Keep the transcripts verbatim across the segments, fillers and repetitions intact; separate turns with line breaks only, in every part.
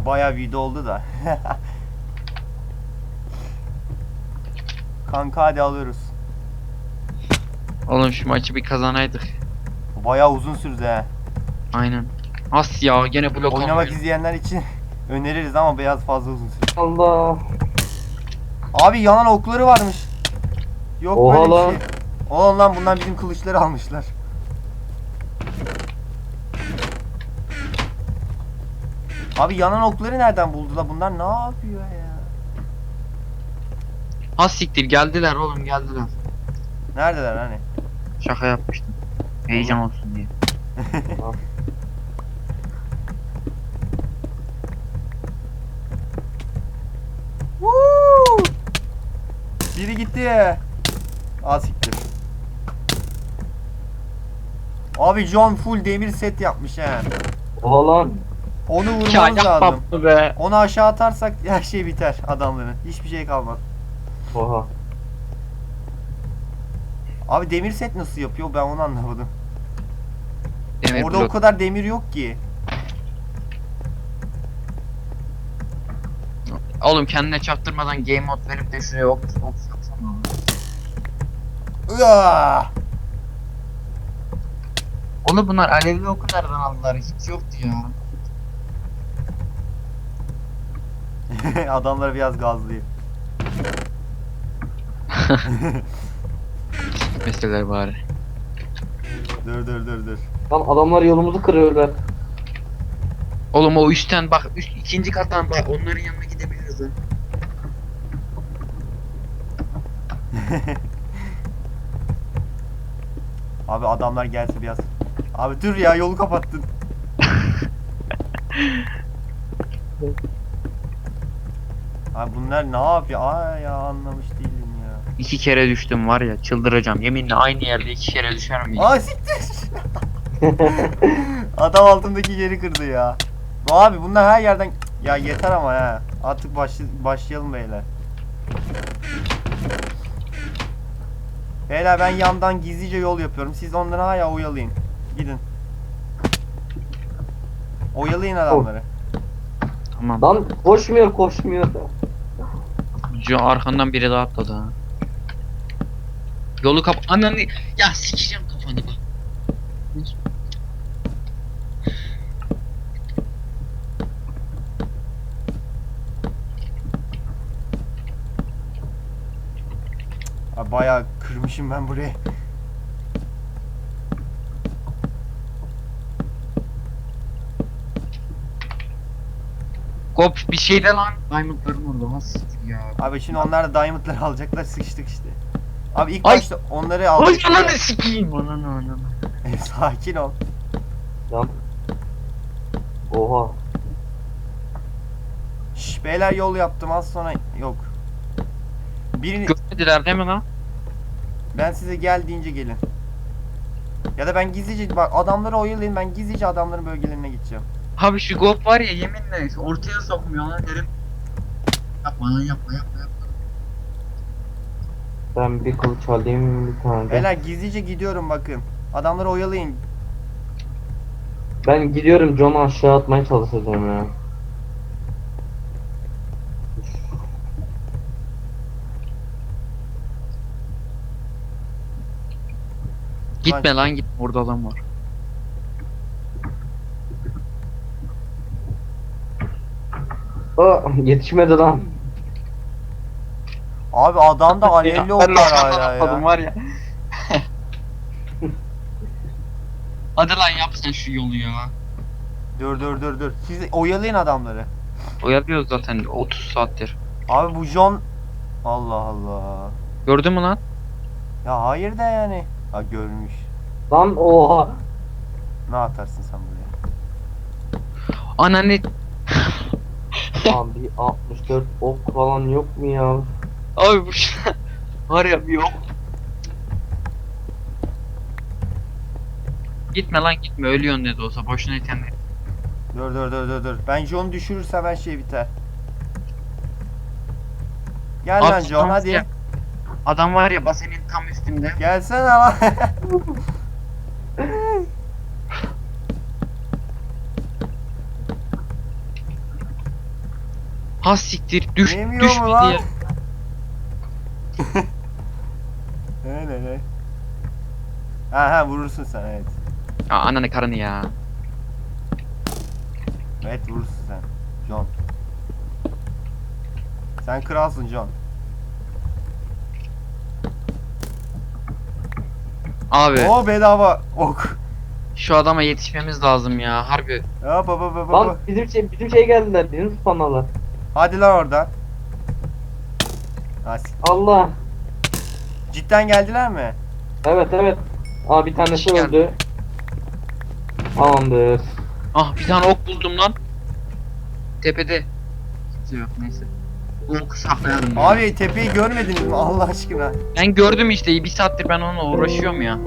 Bayağı video oldu da. Kanka hadi alıyoruz.
Oğlum şu maçı bir kazanaydık.
Bayağı uzun sürdü he.
Aynen. As ya gene blok
Oynamak
almıyor.
izleyenler için öneririz ama biraz fazla uzun sürdü.
Allah.
Abi yanan okları varmış. Yok
Oha
böyle bir
lan.
şey. Oğlum lan bunlar bizim kılıçları almışlar. Abi yanan okları nereden buldular? Bunlar ne yapıyor ya?
Has siktir geldiler oğlum geldiler.
Neredeler hani?
Şaka yapmıştım. Heyecan olsun diye.
Woo! Biri gitti. Aa siktir. Abi John full demir set yapmış he.
Oha lan.
Onu
Ya
vurmamız lazım.
yapma be.
Onu aşağı atarsak her şey biter adamların. Hiçbir şey kalmaz.
Oha.
Abi demir set nasıl yapıyor ben onu anlamadım.
Demir
Orada
blok.
o kadar demir yok ki.
Oğlum kendine çaktırmadan game mode verip de şuraya ok ok yapsana.
Iıaa!
Oğlum bunlar alevli oku nereden aldılar? Hiç yoktu ya.
Adamlar biraz gazlıyor.
Meseleler bari.
Dur dur dur dur.
Lan adamlar yolumuzu kırıyorlar.
Oğlum o üstten bak üst, ikinci kattan bak onların yanına gidebiliriz ha.
Abi adamlar gelse biraz. Abi dur ya yolu kapattın. Abi bunlar ne yapıyor? Ay ya anlamış değilim ya.
İki kere düştüm var ya çıldıracağım. Yeminle aynı yerde iki kere düşer miyim?
Aa siktir. Adam altındaki yeri kırdı ya. Abi bunlar her yerden ya yeter ama ya. Artık başlı... başlayalım beyler. Beyler ben yandan gizlice yol yapıyorum. Siz onları hala oyalayın. Gidin. Oyalayın adamları.
Tamam.
Lan koşmuyor koşmuyor.
Şu arkandan biri daha atladı ha. Yolu kap... Ananı... Ya sikeceğim kafanı bak.
Abi bayağı kırmışım ben burayı.
Kop bir şey de lan. Diamondlarım orada. Ha siktir ya.
Abi şimdi onlar da diamondları alacaklar sıkıştık işte. Abi ilk
Ay!
başta onları
Ay
aldık.
ananı sikeyim. Ananı ananı.
Sakin ol.
Lan. Oha.
Şş, beyler yol yaptım az sonra yok. Birini
Görmediler değil mi lan?
ben size gel deyince gelin. Ya da ben gizlice bak adamları oyalayın ben gizlice adamların bölgelerine gideceğim.
Abi şu Gop var ya yeminle ortaya sokmuyor lan herif. Yapma lan yapma yapma yapma.
Ben bir kılıç alayım bir tane de.
Beyler gizlice gidiyorum bakın. Adamları oyalayın.
Ben gidiyorum John'u aşağı atmaya çalışacağım ya.
Gitme lan git orada adam var.
Aa, yetişmedi lan.
Abi adamda alevli ok var hala ya.
var ya. Hadi lan yap sen şu yolu ya.
Dur dur dur dur. Siz oyalayın adamları.
Oyalıyoruz zaten otuz saattir.
Abi bu John Allah Allah.
Gördün mü lan?
Ya hayır da yani. Ha görmüş.
Lan oha.
Ne atarsın sen buraya?
Ananı...
Abi altmış dört ok falan yok mu ya?
Abi bu şey... Var ya bir yok. Gitme lan gitme ölüyorsun ne de olsa boşuna kendini.
Dur dur dur dur dur. Ben John'u düşürürsem her şey biter. Gel lan
Abi,
John
tamam
hadi.
ya. Adam var ya basenin tam üstünde.
Gelsene lan.
Ha siktir düş
Yemiyor
düş
mu
bir
lan?
diye.
Ne ne ne? Ha ha vurursun sen evet.
Ya ananı karını ya.
Evet vurursun sen. John. Sen kralsın John.
Abi
Oo bedava ok.
şu adama yetişmemiz lazım ya harbi.
Ya baba baba
Lan
baba.
bizim şey bizim şey geldiler. Bizim spanalar.
Hadi lan oradan. Ha, s-
Allah.
cidden geldiler mi?
Evet evet. Aa bir tanesi
Kişi geldi.
öldü. Tamamdır.
Ah bir tane ok buldum lan. Tepede. Kimse yok neyse. Bu oku saklayalım. ya.
Abi tepeyi görmediniz mi Allah aşkına?
Ben gördüm işte bir saattir ben onunla uğraşıyorum ya.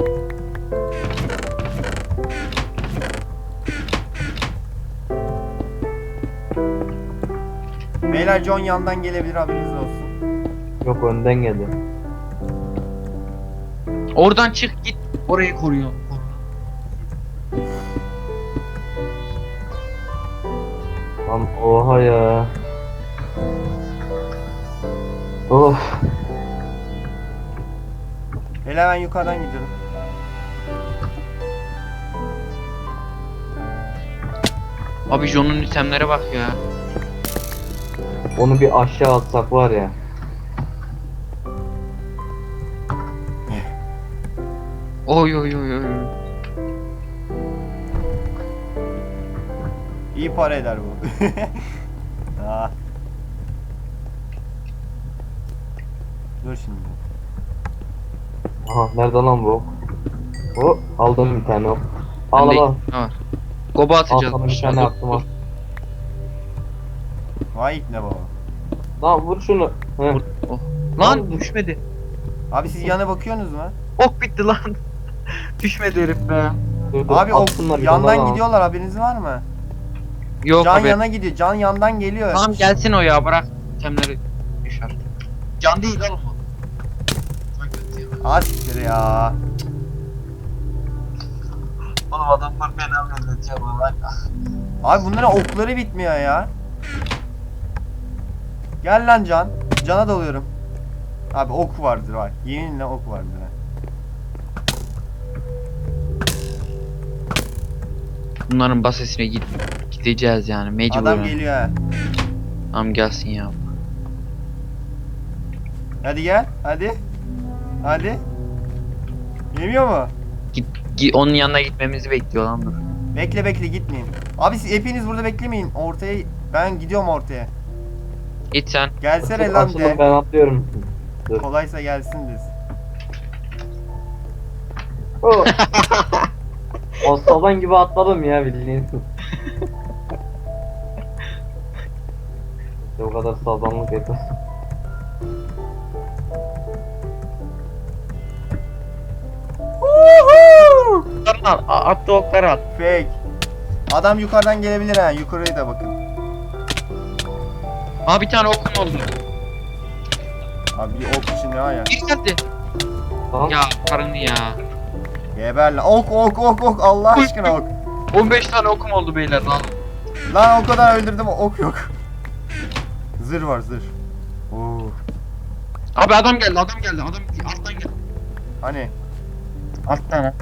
Beyler John yandan gelebilir haberiniz olsun.
Yok önden geldi.
Oradan çık git orayı koruyor.
Lan oha ya. Of.
Beyler ben yukarıdan gidiyorum.
Abi John'un itemlere bak ya.
Onu bir aşağı atsak var ya.
Oy oy oy oy.
İyi para eder bu. Aa. Dur şimdi.
Aha nerede lan bu? O aldım bir tane ok. Al
Bende
al al.
iki tane var. Goba
Al
atacağız.
sana bir tane attım al.
Vay ne baba.
Lan vur şunu. Heh.
Vur. Oh. Lan düşmedi.
Abi siz yana bakıyorsunuz mu?
Ok bitti lan. Düşmedi herif be.
Dur, dur,
Abi o
atsınlar bir
yandan
tane daha.
gidiyorlar haberiniz var mı?
Yok
Can
abi.
yana gidiyor. Can yandan geliyor.
Tamam gelsin o ya bırak. Itemleri düşer. Can değil oğlum o.
Asiktir ya.
Oğlum adamlar beni anlatıyor bana.
Abi bunların okları bitmiyor ya. Gel lan Can. Can'a dalıyorum. Abi ok vardır var. Yeminle ok vardır. ha.
Bunların basesine git gideceğiz yani mecburen.
Adam geliyor ha.
Tamam gelsin ya.
Hadi gel. Hadi. Hadi. Yemiyor mu?
Git, gi- onun yanına gitmemizi bekliyor lan dur.
Bekle bekle gitmeyin. Abi siz hepiniz burada beklemeyin. Ortaya ben gidiyorum ortaya.
Git sen.
Gelsene
Açıl-
lan
açılın,
de.
ben atlıyorum. Dur.
Kolaysa gelsin biz.
Oh. Aslan gibi atladım ya bildiğin. İşte o kadar sağlamlık yeter.
Oklarını al. a- Attı okları at.
Fake. Adam yukarıdan gelebilir ha. Yukarıya da bakın.
Aa bir tane okum oldu.
Abi bir ok içinde var ya.
Bir geldi.
Lan
Ya karını ya.
Geber lan. Ok ok ok ok. Allah aşkına ok.
on beş tane okum oldu beyler lan.
Lan o kadar öldürdüm ok yok. Zırh var zırh. Oo.
Abi adam geldi adam geldi adam alttan geldi.
Hani
Alttan ha.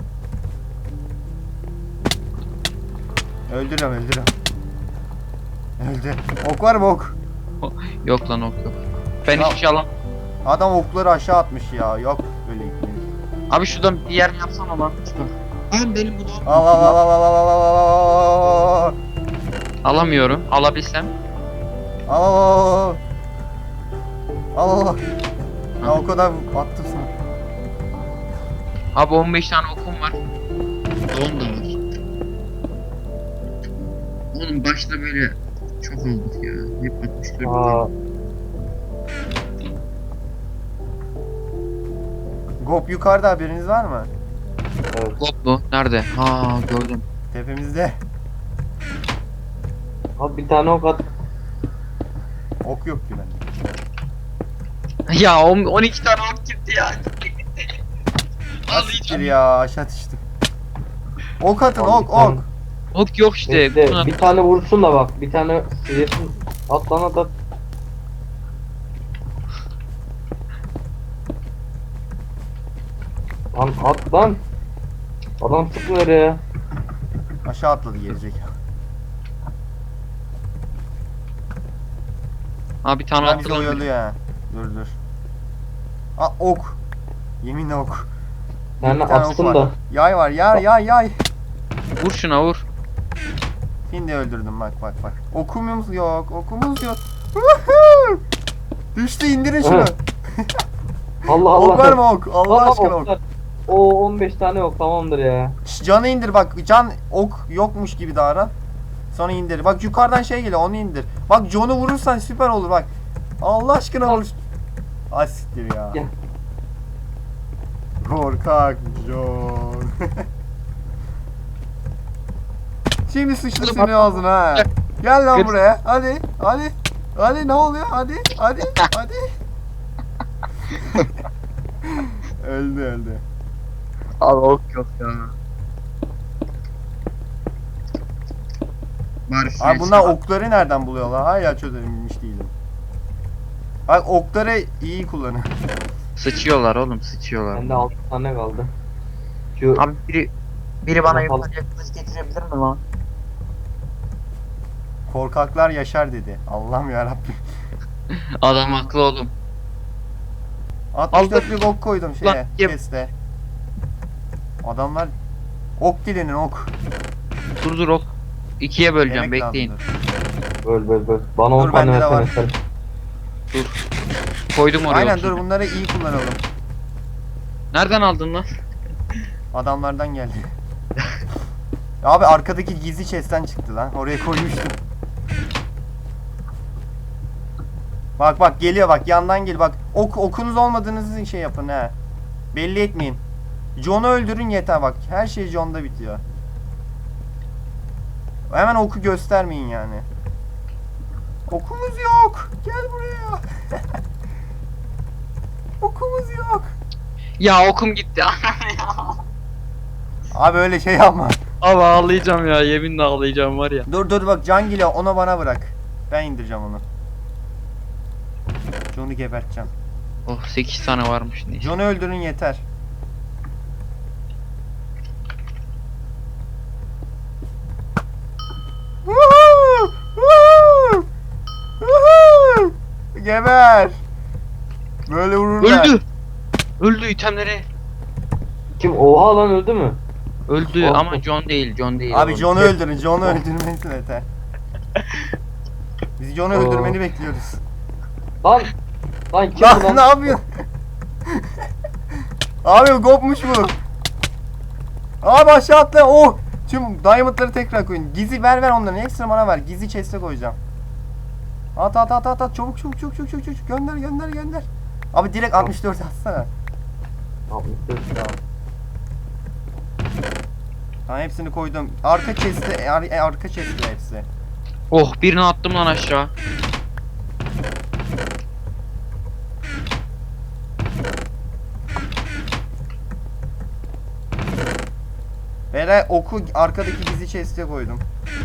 öldürüyorum öldürüyorum. Öldü. Ok var mı ok?
Yok lan ok yok. Ben
Ya-
hiçbir şey alam.
Adam okları aşağı atmış ya. Yok böyle gitmeyin.
Abi şuradan bir yer yapsana lan. Ben benim bunu
Al al al al al al al al al al.
alamıyorum. Alabilsem.
Al al al al. Al al. Ya o kadar attım sana.
Abi on beş tane okum var. on da var. Oğlum başta böyle çok olduk ya. Hep altmış dört.
aa,
Gop yukarıda haberiniz var mı?
evet.
Hop mu? Nerede? Ha gördüm.
Tepemizde.
Abi bir tane ok at.
Ok yok ki bende.
Ya on- on iki tane ok gitti ya.
Asiktir ya aşağı düştüm. Ok atın
Abi
ok
bir tane-
ok.
Ok yok işte.
Bekle,
Buna-
bir tane vursun da bak. Bir tane sıyırsın. At lan at at. Lan at lan. Adam sıkmıyor ya.
Aşağı atladı gelecek.
Abi bir tane
Lan bizi
attı lan.
oyalıyor ha. Dur dur. Aa ok. Yeminle ok.
Yani
Bir tane ok
atsın
var.
da.
Yay var yay yay yay.
Vur şuna vur.
Şimdi öldürdüm bak bak bak. Okumuz yok okumuz yok. Woohoo! Düştü indirin şunu.
Evet. Allah Allah.
Ok var mı ok? Allah
Allah
aşkına ok.
oklar. O on beş tane yok tamamdır ya.
Şş, canı indir bak. Can ok yokmuş gibi davran. Sonra indir. Bak yukarıdan şey geliyor onu indir. Bak John'u vurursan süper olur bak. Allah aşkına vur. Asittir ya.
Gel.
Korkak John. Şimdi sıçtı senin ağzına ha. Gel lan buraya. Hadi. Hadi. Hadi ne oluyor? Hadi. Hadi. Hadi. öldü öldü.
Abi ok yok ya. Bari
Abi bunlar okları nereden buluyorlar? Hala çözebilmiş değilim. Bak okları iyi kullanın.
Sıçıyorlar oğlum sıçıyorlar.
Bende altı tane kaldı. Şu
Abi biri biri bana
Yapalım.
yukarıya kılıç getirebilir mi lan?
Korkaklar yaşar dedi. Allah'ım yarabbim.
Adam haklı oğlum.
altmış dörtlük ok koydum
Lan,
şeye.
yap.
Chest'e. Adamlar ok dilenin ok.
Dur dur ok. İkiye böleceğim
Yemek
bekleyin.
lazımdır.
böl böl böl. Bana on
Dur,
tane
bende de var.
versene sen.
Koydum oraya.
Aynen
otuz.
dur bunları iyi kullanalım.
Nereden aldın lan?
Adamlardan geldi. Abi arkadaki gizli chest'ten çıktı lan. Oraya koymuştum. Bak bak geliyor bak yandan gel bak. Ok okunuz olmadığınızı şey yapın ha. Belli etmeyin. John'u öldürün yeter bak. Her şey John'da bitiyor. Hemen oku göstermeyin yani. Okumuz yok. Gel buraya. Okumuz yok.
Ya okum gitti.
Abi öyle şey yapma.
Abi ağlayacağım ya yeminle ağlayacağım var ya.
Dur dur bak can geliyor onu bana bırak. Ben indireceğim onu. John'u geberteceğim.
Oh sekiz tane varmış neyse.
John'u öldürün yeter. Woohoo! Woohoo! Woohoo! Geber. Böyle vururlar.
Öldü. Öldü itemleri.
Kim? Oha lan öldü mü?
Öldü
Oh.
ama John değil John değil.
Abi
oğlum.
John'u öldürün. John'u öldürmeniz yeter. Biz John'u
Oo.
öldürmeni bekliyoruz.
Lan. Lan kim bu
Lan
lan?
ne yapıyorsun? Abi kopmuş bu. Abi aşağı atla. Oh. Tüm diamondları tekrar koyun. Gizli ver ver onların. Ekstra bana ver. Gizli chest'e koyacağım. At at at at at. Çabuk çabuk çabuk çabuk çabuk. çabuk. Gönder gönder gönder. Abi direkt altmış dört atsana.
altmış dört.
Tamam. Tamam hepsini koydum. Arka chest'e ar e, arka chest'e hepsi.
Oh birini attım lan aşağı.
Beyler oku arkadaki gizli chest'e koydum.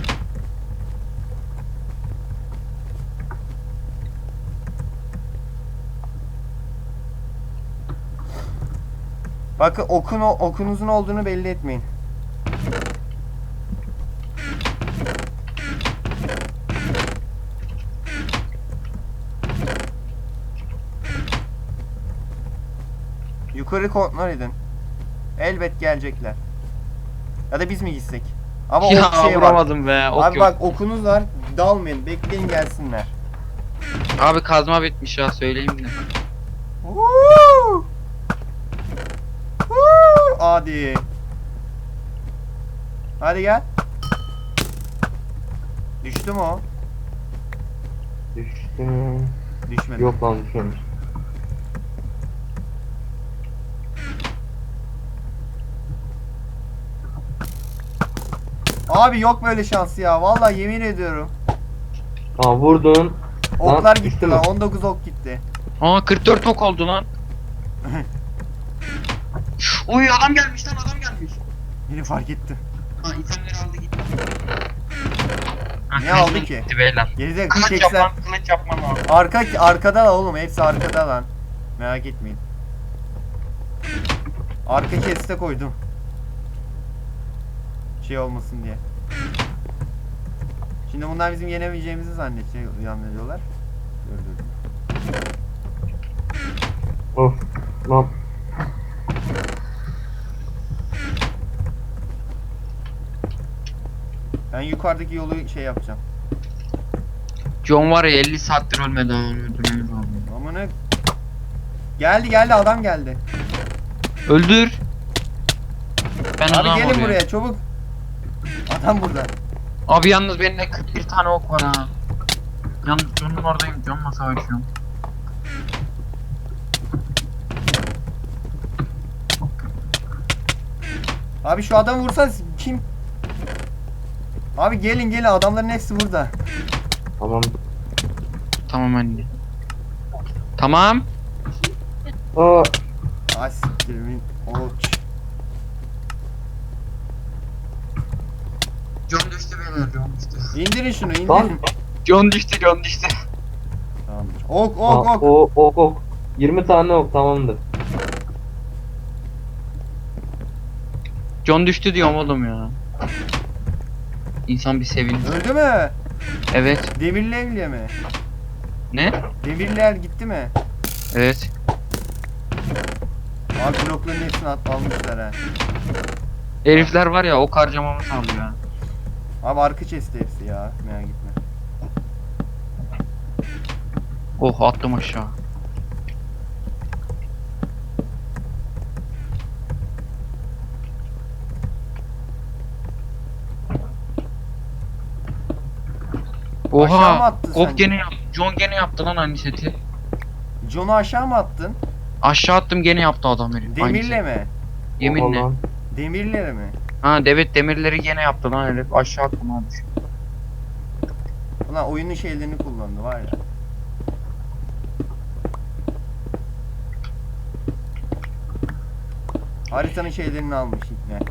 Bakın okun okunuzun olduğunu belli etmeyin. Yukarı kontrol edin. Elbet gelecekler. Ya da biz mi gitsek? Ama
Ya
ok şey var.
vuramadım be. Ok
Abi
yok.
bak okunuz var. Dalmayın. Bekleyin gelsinler.
Abi kazma bitmiş ya söyleyeyim de.
Woo! Woo! Hadi. Hadi gel. Düştü mü o?
Düştü.
Düşmedi.
Yok lan düşmemiş.
Abi yok böyle şansı ya. Vallahi yemin ediyorum.
Aa vurdun.
Oklar
düştü
gitti
mü?
lan. on dokuz ok gitti.
Aa kırk dört ok oldu lan. Uy adam gelmiş lan adam gelmiş.
Beni fark etti.
Ha itemleri aldı gitti. Ha
Ne aldı ki?
Gitti beyler.
Geride
Kılıç
pickaxe'ler.
yapmam, kılıç yapmam lazım.
Arka arkada da oğlum, hepsi arkada lan. Merak etmeyin. Arka keste koydum. Şey olmasın diye. Şimdi bunlar bizim yenemeyeceğimizi zannediyor, zannediyorlar. Dur dur.
Of. Lan.
Ben yukarıdaki yolu şey yapacağım.
John var ya elli saattir ölmedi ha. Öldürmemiz lazım.
Ama ne? Geldi geldi, adam geldi.
Öldür. Ben
Abi
uzağım
gelin
oraya.
buraya çabuk. Adam burada.
Abi yalnız benim de kırk bir tane ok var ha. Yalnız John'un oradayım. John'la savaşıyorum.
Abi şu adamı vursan kim? Abi gelin gelin, adamların hepsi burada.
Tamam.
Tamam anne. Tamam.
Aa.
Ay siktirimin oç.
John düştü beyler. John düştü.
İndirin şunu, indirin.
Lan.
John düştü. John düştü.
Tamamdır. Ok
Aa,
ok ok.
o ok ok. yirmi tane ok tamamdır.
John düştü diyorum oğlum ya. İnsan bir sevinir.
Öldü mü?
Evet.
Demirli evliye mi?
Ne?
Demirler gitti mi?
Evet.
Abi blokların hepsini at, almışlar ha.
Herifler var ya ok harcamamı sağlıyor ya.
Abi arka chest'te hepsi ya. Merak etme.
Oh attım aşağı.
Aşağı mı
Oha!
attın
Gop
sen?
gene yaptı. John gene yaptı lan aynı seti.
John'u aşağı mı attın?
Aşağı attım gene yaptı adam herif. aynı
Demirle
seti.
mi?
Yeminle.
Oha lan.
Demirle mi?
Ha evet demirleri gene yaptı lan herif. Aşağı attım abi.
Ulan oyunun şeylerini kullandı var ya. Haritanın şeylerini almış ne?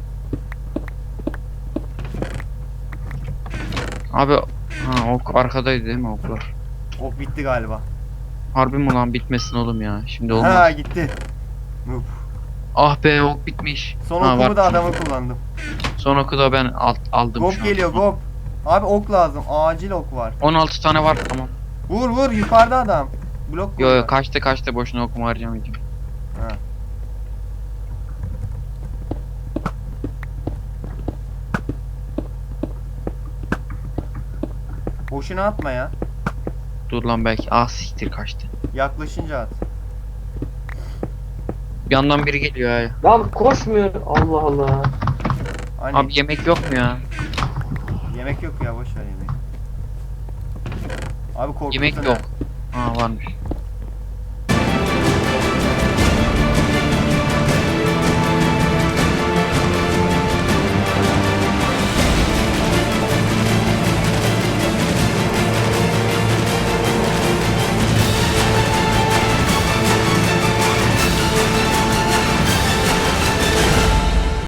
Abi ha ok arkadaydı değil mi oklar?
Ok bitti galiba.
Harbi mi lan bitmesin oğlum ya. Şimdi olmaz.
Ha gitti. Noob.
Ah be ok bitmiş.
Son
ha,
okumu
var.
da adamı kullandım.
Son oku da ben alt, aldım
Gop
şu an.
geliyor gop. Abi ok lazım. Acil ok var.
on altı tane var tamam.
Vur vur, yukarıda adam. Blok
Yo
koyuyor.
yo kaçtı kaçtı boşuna okuma harcamayacağım.
Ha. Boşuna atma ya.
Dur lan belki ah siktir kaçtı.
Yaklaşınca at.
Bir yandan biri geliyor ya.
Lan koşmuyor. Allah Allah.
Hani
Abi yemek yok mu ya?
yemek yok ya, boş ver yemeği. Abi korkuttun
Yemek
ha.
yok. Ha varmış.